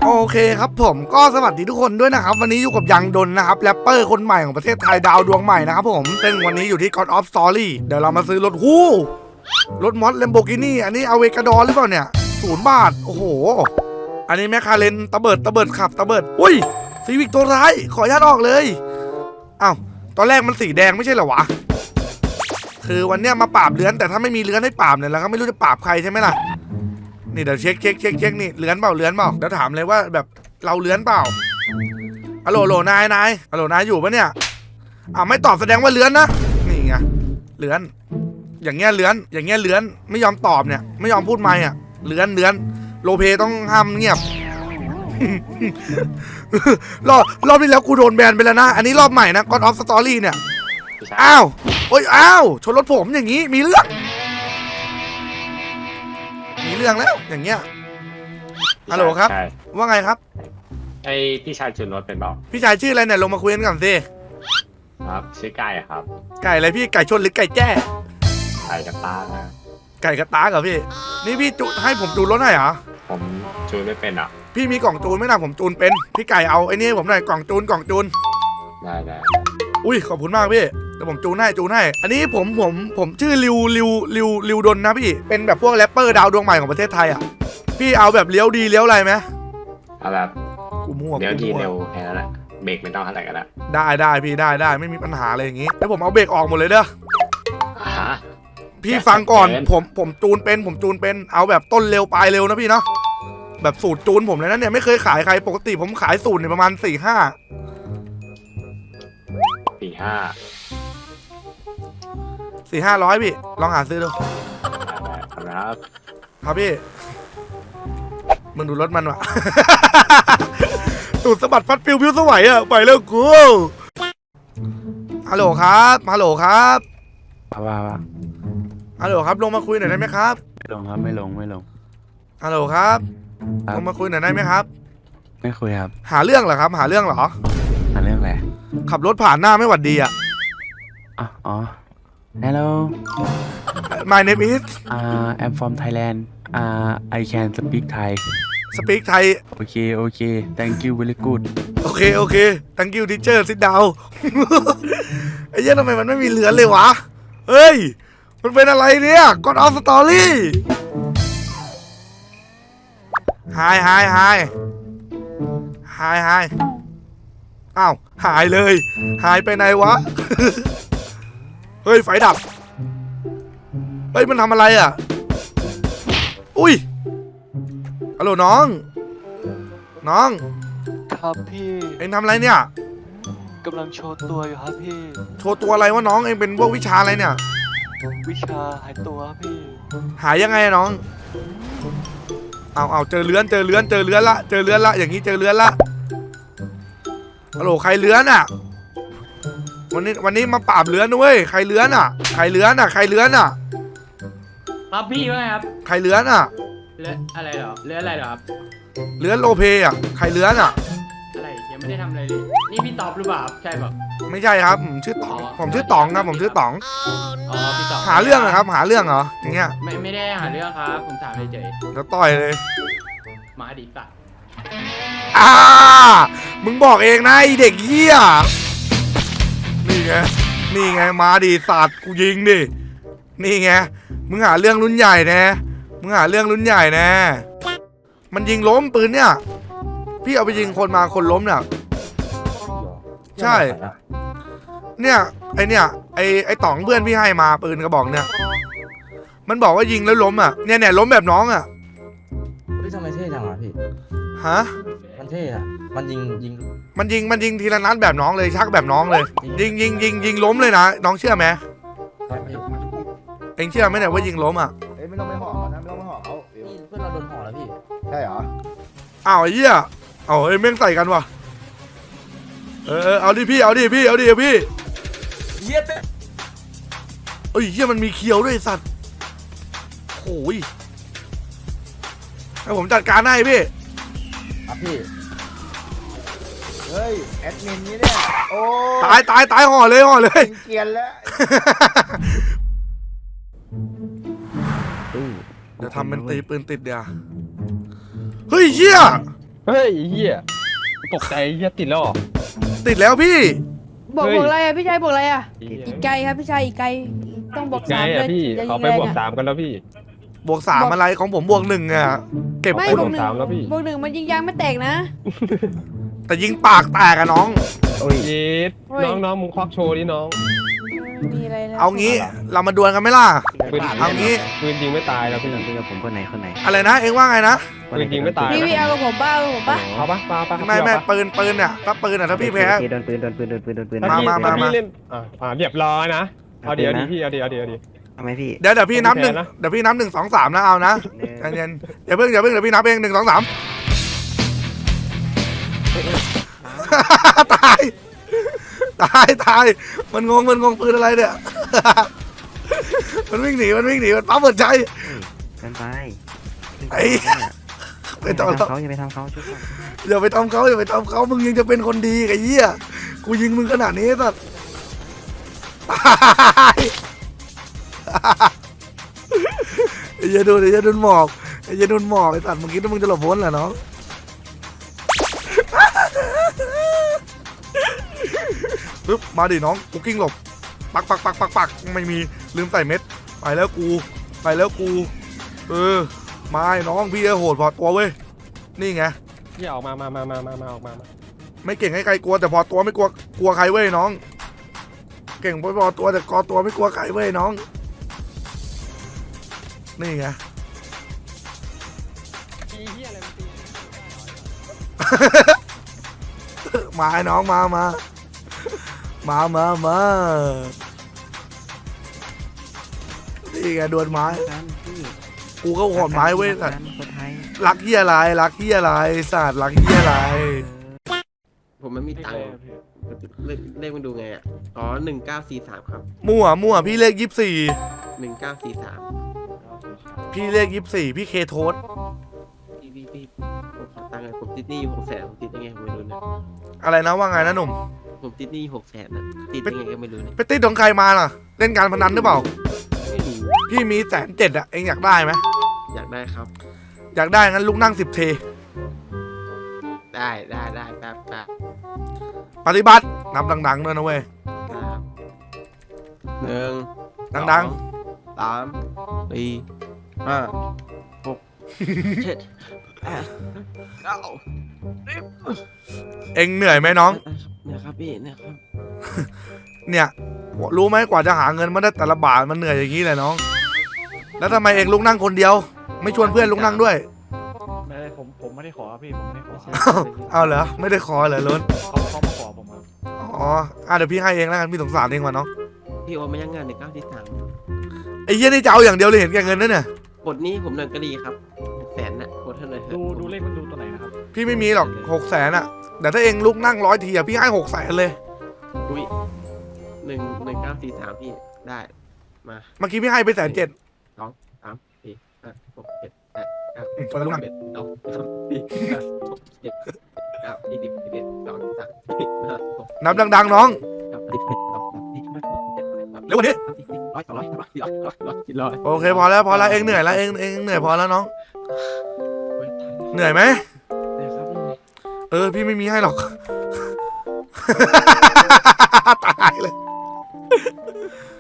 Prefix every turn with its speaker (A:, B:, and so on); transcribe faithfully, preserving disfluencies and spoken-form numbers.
A: โอเคครับผมก็สวัสดีทุกคนด้วยนะครับวันนี้อยู่กับยังดนนะครับแรปเปอร์คนใหม่ของประเทศไทยดาวดวงใหม่นะครับผมซึ่งวันนี้อยู่ที่ God of Story เดี๋ยวเรามาซื้อรถฮู้รถมอสเลมโบกินี่อันนี้เอาเวกาดอร์หรือเปล่าเนี่ยศูนย์บาทโอ้โหอันนี้แมคคาเรนตะเบิดตะเบิดขับตะเบิดอุ้ยซีวิกตัวร้ายขออนุญาตออกเลยอ้าวตอนแรกมันสีแดงไม่ใช่เหรอวะคือวันเนี้ยมาปราบเลื้อนแต่ถ้าไม่มีเลื้อนให้ปราบเนี่ยเราก็ไม่รู้จะปราบใครใช่ไหมล่ะนี่เดี๋ยวเช็คเช็คเช็คเช็คนี่เลื้อนเปล่าเลื้อนเปล่าเดี๋ยวถามเลยว่าแบบเราเลื้อนเปล่าฮัลโหลโหลนายนายฮัลโหลนายอยู่ปะเนี่ยอ่าไม่ตอบแสดงว่าเลื้อนนะนี่ไงเลื้อนอย่างเงี้ยเลื้อนอย่างเงี้ยเลื้อนไม่ยอมตอบเนี่ยไม่ยอมพูดไม่อ่ะเลื้อนเลื้อนโลเพต้องห้ามเงียบ รอบรอบที่แล้วกูโดนแบนไปแล้วนะอันนี้รอบใหม่นะ God of Story เนี่ยอ้าวโอ้ยอ้าวชนรถผมอย่างงี้มีเรื่องมีเรื่องแล้วอย่างเงี้ยฮัลโหลครับว่าไงครับ
B: ไอพี่ชายชนรถเป็นเปล่า
A: พี่ชายชื่ออะไรเนี่ยลงมาคุยกันก่อนสิ
B: ครับชื่อไก่ครับ
A: ไก่อะไรพี่ไก่ชนหรือไก่แจ้
B: ไก่กระตานะ
A: ไก่กระตากเหรอพี่นี่พี่จูให้ผมจูนรถให้เหรอ
B: ผมจูนไม่เป็นอ่ะ
A: พี่มีกล่องจูนไหมนะผมจูนเป็นพี่ไก่เอาไอ้นี่ผมหน่อยกล่องจูนกล่องจูน
B: ได้ได้
A: อุ้ยขอบคุณมากพี่แต่ผมจูนให้จูนให้อันนี้ผมผมผมชื่อริวริวริวริวดนนะพี่เป็นแบบพวกแรปเปอร์ดาวดวงใหม่ของประเทศไทยอ่ะพี่เอาแบบเลี้ยวดีเลี้ยวอะไรไหม
B: เอาแบบ
A: กูมั่ว
B: เลี้ยวดีเร็วแค่นั้นแหละเบรกไม่ต้องเท่าไหร่กันละ
A: ได้ได้พี่ได้ได้ไม่มีปัญหาอะไรอย่างงี้แล้วผมเอาเบรกออกหมดเลยเด้อ
B: ฮะ
A: พี่ฟังก่อนผมผมจูนเป็นผมจูนเป็นเอาแบบต้นเร็วปลายเร็วนะพี่เนาะแบบสูตรจูนผมเลยนะเนี่ยไม่เคยขายใครปกติผมขายสูตรเนี่ยประมาณสี่ห้า
B: สี่ห้า
A: สี่ห้าร้อยพี่ลองหาซื้อดู
B: ครับ
A: ครับพี่มึงดูรถมันวะ ตูดสะบัดฟัดปิวพิวสวัยอะไปแล้วกูฮัลโหลครับฮัลโหลครับ
C: ว้าว
A: ฮัลโหลครับลงมาคุยหน่อยได้ไหมครับ
C: ไม่ลงครับไม่ลงไม่ลง
A: ฮัลโหลครับลงมาคุยหน่อยได้ไหมครับ
C: ไม่คุยครับ
A: หาเรื่องเหรอครับหาเรื่องเหรอ
C: หาเรื่องอะไร
A: ขับรถผ่านหน้าไม่หวัดดีอ่ะ
C: อ๋อ Hello
A: My name is
C: uh I'm from Thailand uh I can speak Thai
A: Speak Thai
C: โอเคโอเค Thank you very good
A: โอเคโอเค Thank you teacher sit down ไอ้เหี้ยทำไมมันไม่มีเรือนเลยวะเฮ้ยมันเป็นอะไรเนี่ย God of Story Hi Hi Hi Hi Hi อ้าวหายเลยหายไปไหนวะ เฮ้ยไฟดับเฮ้ยมันทำอะไรอ่ะอุ้ยฮัลโหลน้องน้อง
D: ครับพี่
A: เอ็งทำอะไรเนี่ย
D: กำลังโชว์ตัวอยู่ครับพี่
A: โชว์ตัวอะไรวะน้องเอ็งเป็นพวกวิชาอะไรเนี่ย
D: วิชาหายตัวพี่
A: หายยังไงน้องเอาเอาเจอเลื้อนเจอเลื้อนเจอเลื้อนละเจอเลื้อนละอย่างนี้เจอเลื้อนละฮัลโหลใครเลื้อนอ่ะวันนี้วันนี้มาปราบเลื้อนด้วยใครเลื้อนอ่ะใครเลื้อนอ่ะใครเลื้อนอ่ะ
E: ครับพี่ว่าไงครับ
A: ใครเลื้อนอ่ะ
E: เลื้อนอะไรเหรอเลื้อนอะไรเหรอครับ
A: เลื้อนโลเพอ่ะใครเลื้อนอ่ะ
E: อะไรยังไม่ได้ทำอะไรเลยนี่พี่ตอบหรือเปล่าใช่ป่ะ
A: ไม่ใช่ครับผมชื่อต๋องผมชื่อต๋องครับผมชื่อต๋อง
E: อ๋อพี่ต๋อง
A: หาเรื่องเหรอครับหาเรื่องเหรออย่างเงี้ย
E: ไม่ไม่ได้หาเรื่องครับผมถามเฉย
A: ๆแล้วต่อยเลย
E: มาดิสัตว์
A: อ่ามึงบอกเองนะไอเด็กเหี้ยนี่ไงนี่ไงมาดิสัตว์กูยิงดินี่ไงมึงหาเรื่องรุ่นใหญ่แน่มึงหาเรื่องรุ่นใหญ่แน่มันยิงล้มปืนเนี่ยพี่เอาไปยิงคนมาคนล้มเนี่ยใช่เนี่ยไอเนี่ยไอไอต๋องเพื่อนพี่ให้มาปืนกระบอกเนี่ยมันบอกว่ายิงแล้วล้มอ่ะเนี่ยเนี่ยล้มแบบน้องอ่ะ
F: พี่ทำไมเท่จังอ่ะพี่
A: ฮะ
F: มันเท่อะมันยิงยิง
A: มันยิงมันยิงทีละนัดแบบน้องเลยชักแบบน้องเลยยิงยิงยิงยิงล้มเลยนะน้องเชื่อไหมเอ็งเชื่อไหมเนี่ยว่ายิงล้มอ่ะ
G: เอ้ยไม่ต้องไปห่อนะไม่ต้องไปห่อเขา
F: พี่เพื่อนเราโดนห่อแล้วพี่
G: ใช่เหรอ
A: อ้าวไอ้เหี้ยเอาเอ้ยแม่งใส่กันวะเออเอาดิพี่เอาดิพี่เอาดิพี่เหี้ยเอ้ยเหี้ยมันมีเคียวด้วยสัตว์โอ้ยให้ผมจัดการให้พี่
G: ครับพี่เฮ้ยแอดมินนี้เนี่ยโอ้
A: ตายตายตายห่อเลยห่อเลย
G: เกลียนแล้ว
A: เดี๋ยวทำเป็นตีปืนติดเดี๋ยวเฮ้ยเหี้ย
H: เฮ้ยเฮียตกใจเฮียติดแล้วเหรอ
A: ติดแล้วพี่
I: บอก
H: เฮ้ย
I: บอกอะไรอ่ะพี่ชายบอกอะไรอ่ะ
H: เหี้ย
I: อีกไกลครับพี่ชายอีกไกลต้องบอก
H: ไง
I: สาม
H: อ่ะพี่
I: จะ
H: เขา
I: ยิง
H: ไป
I: แรง
H: บวก
I: อ่ะ
H: สามกันแล้วพี่
A: บวกสามอะไรของผมบวกหนึ่งอะเก็บ
I: ไม่
A: คุณ
I: บวกหนึ่ง
H: สามแล้วพี่
I: บวกหนึ่งมันยิงยางไม่แตกนะ
A: แต่ยิงปากแตกอะน้อง
H: เย็ด
I: โอ้ย
H: น้องน้องมึงควักโชว์ดิน้อง
I: ไม่มีอะไรแล้ว
A: เอางี้เรามาดวลกันไหมล่ะ
H: ปืน
A: เอางี้
H: ปืนยิงไม่ตายแล้วพี่
C: คุยกับผมคนไหนคนไหน
A: อะไรนะ เอ็งว่าไงนะ
H: ปืนยิงไม่ตาย
I: พี่
H: นะ
I: พี่เอากับผมบ้าเอากับผมบ้า
H: เอาปะปะปะ
A: ไม่ไม่
H: เอาปะ
A: ปืนปืนเนี่ยถ้าปืนอะถ้าพี่แพ้
C: โดนปืนโดนปืนโดนปืนโดนปืน
H: ถ้าพี่
A: มามา
H: ถ้า
A: มา
H: พี่เล่นอ่าอ่าเรียบร้อยนะเอาเดี๋ยวดีพี่เอาเดี๋ยวเอาเดี๋ยวเอาดี๋ยว
C: ทำไมพี่
A: เดี๋ยวเดี๋ยวพี่นับหนึ่ง
H: ผมแพ้นะ
A: เดี๋ยวพี่นับหนึ่งสองสามนะเอานะใจเย็นอย่าเพิ่งอย่าเพิ่งเดี๋ยวพี่นับเองหนึ่งสองสามตายตายตายมันงงมันงงปืนอะไรเนี่ย มันวิ่งหนีมันวิ่งหนีมันปั๊มหัวใจ
C: กันไป
A: ไอ้ ไม่ต้องหรอก
C: เขาอย่าไปทำเขาชุด
A: อย่าไปทำเขาอย่าไปทำเขามึงยังจะเป็นคนดีไอ้เหี้ยกูยิงมึงขนาดนี้สัตว์ตายไอ้เหี้ยดูไอ้เหี้ยโดนหมอกไอ้เหี้ยโดนหมอกไอ้สัตว์มึงคิดว่ามึงจะหลบพ้นเหรอน้องปึ๊บมาดิน้องกูกิ้งหลบปักปักปักปักปักไม่มีลืมใส่เม็ดไปแล้วกูไปแล้วกูเออมาไอ้น้องพี่จะโหดพอตัวเว้ยนี่ไง
H: พี่ออกมามามามามามาออกมามา
A: ไม่เก่งให้ใครกลัวแต่พอตัวไม่กลัวกลัวใครเว้ยน้อง เก่งพอพอตัวแต่กอตัวไม่กลัวใครเว้ยน้อง นี่ไง มาไอ้น้องมามามามามานี่ไงดวลไม้
C: กันพี่
A: กูก็หอดไม้เว้ยสัตว์
C: คนไทย
A: รักเฮียอะไรรักเฮียอะไรสัตว์รักเฮียอะไร
J: ผมไม่มีตังค์เลขเลขมันดูไงอ่ะ อ๋อหนึ่งเก้าสี่สามครับ
A: มั่วมั่วพี่เลขยี่สิบสี่
J: หนึ่งเก้าสี่สาม
A: พี่เลขยี่สิบสี่พี่เคโทส
J: พี่พี่พี่ผมขอตังค์หน่อยผมติดหนี้อยู่หกแสนผมติดยังไงผมไม่รู้นะ
A: อะไรนะว่าไงนะหนุ่ม
J: ผมติดหนี้หกแสนนะติดยังไงก็ไม่รู้เนี่ย
A: ไปติดของใครมาล่ะ เล่นการพนันหรือเปล่า
J: ไม่รู้
A: พี่มีแสนเจ็ดอะเองอยากได้ไหม
J: อยากได้ครับ
A: อยากได้งั้นลุกนั่งสิบเท
J: ได้ได้ได้แป๊บแป๊บ
A: ปฏิบัตินับดังๆด้วยนะเว้ย
J: ครับหนึ่ง
A: ดัง
J: สองสามสี่ห้าหกเจ็ดแปดเก้า
A: เองเหนื่อยไหมน้อง
J: เนี่ยครับพี่เนี่ยครับ
A: เนี่ยรู้ไหมกว่าจะหาเงินมาได้แต่ละบาทมันเหนื่อยอย่างนี้เลยน้อง แล้วทำไมเองลุกนั่งคนเดียว ไม่ชวนเพื่อนลุกนั่งด้วย
K: ไม่ได้ผมผมไม่ได้ขอครับพี่ผมไม่ได้ขอ
A: เอาเหรอไม่ได้ขอเหรอล้น
K: เขาเขามาขอผมครับ
A: อ๋ออ่ะเดี๋ยวพี่ให้เองแล้วกันพี่สงสารเองว่ะน้อง
J: พี่โอนมายังงานหนึ่งเก้าสี่สาม
A: ไอ้เหี้ยนี่จะเอาอย่างเดียวเลยเห็นแก่เงินนั่นเนี่ย
J: บทนี้ผมหนึ่งก็ดีครับหกแสนน่ะกดเท่าไหร่
K: ดูดูเลขมันดูตัวไหนนะครับ
A: พี่ไม่มีหรอกหกแสนอะแต่ถ้าเองลุกนั่งร้อยทีอะพี่ให้หกแสนเลย
J: อุ้ยหนึ่งหนึ่งเก้าสี่สามพี่ได้มา
A: เมื่อกี้พี่ให้ไปแสนเจ็ด
J: สองสามสี่ห้าหกเจ็ดแปดเก้า
A: อืมคนละลูกนั่ง
J: สิบเอ็ดสองสามสี่ห้าหกเจ็ดเก้ายี่สิบสิบเอ็ดสองสามสี่ห้าหก
A: นับดังๆน้อง
J: เก้าสิบเอ็ดสองสามสี่ห้าหกเจ็ดแปด
A: เร็วกว่านี้
J: สามสี่ร้อยสองร้อยสามร้อยสี่ร้อยร้อยร้อยสี่ร้อย
A: โอเคพอแล้วพอแล้วเองเหนื่อยแล้วเองเองเหนื่อยพอแล้วน้อง
J: โอ้ย
A: เหนื่อยไหม
J: ได้ครับ
A: เออพี่ไม่มีให้หรอก ตายเลย